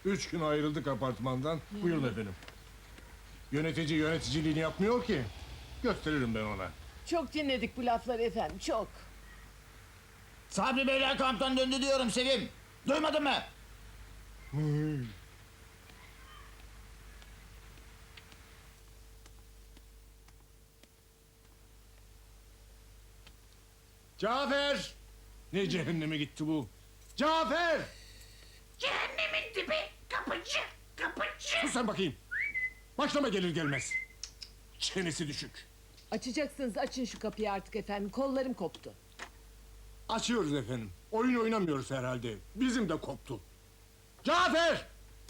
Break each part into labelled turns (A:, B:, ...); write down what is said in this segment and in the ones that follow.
A: 3 gün ayrıldık apartmandan. Buyurun efendim. Yönetici yöneticiliğini yapmıyor ki. Gösteririm ben ona.
B: Çok dinledik bu lafları efendim, çok.
C: Sabri Beyler kamptan döndü diyorum Sevim. Duymadın mı?
A: Cafer! Ne cehenneme gitti bu? Cafer!
D: Cehennemin dibi kapıcı, kapıcı.
A: Sus sen bakayım. Başlama gelir gelmez. Çenesi düşük.
B: Açacaksınız, açın şu kapıyı artık efendim, kollarım koptu.
A: Açıyoruz efendim. Oyun oynamıyoruz herhalde. Bizim de koptu. Cafer!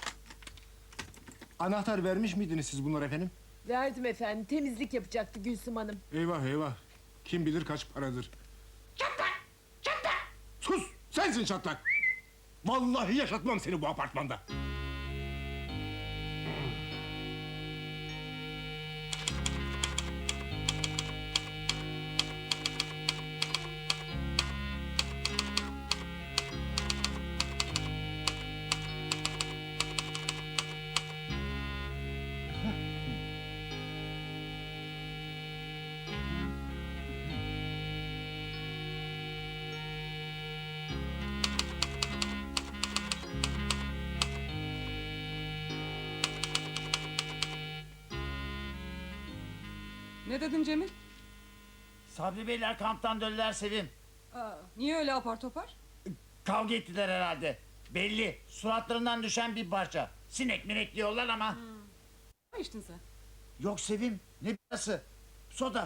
A: Anahtar vermiş miydiniz siz bunlar efendim?
B: Verdim efendim, temizlik yapacaktı Gülsüm Hanım.
A: Eyvah eyvah. Kim bilir kaç paradır.
D: Çatlak, çatlak.
A: Sus! Sensin çatlak! Vallahi yaşatmam seni bu apartmanda.
E: Ne dedin Cemil?
C: Sabri Beyler kamptan döndüler Sevim.
E: Niye öyle apar topar?
C: Kavga ettiler herhalde. Belli. Suratlarından düşen bir parça. Sinek minek diyorlar ama.
E: Ne içtin sen?
C: Yok Sevim. Ne birası? Soda.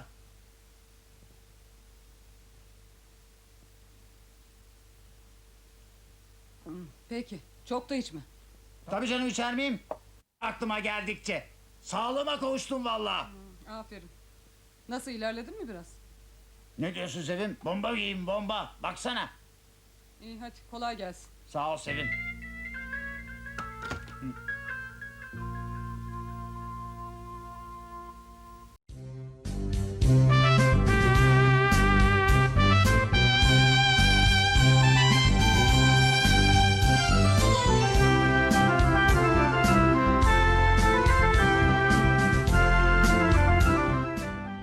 E: Peki, çok da içme.
C: Tabii canım içer miyim? Aklıma geldikçe. Sağlığıma kavuştum vallahi.
E: Aferin. Nasıl, ilerledin mi biraz?
C: Ne diyorsun Sevim? Bomba yiyeyim bomba. Baksana.
E: İyi hadi, kolay gelsin.
C: Sağ ol Sevim.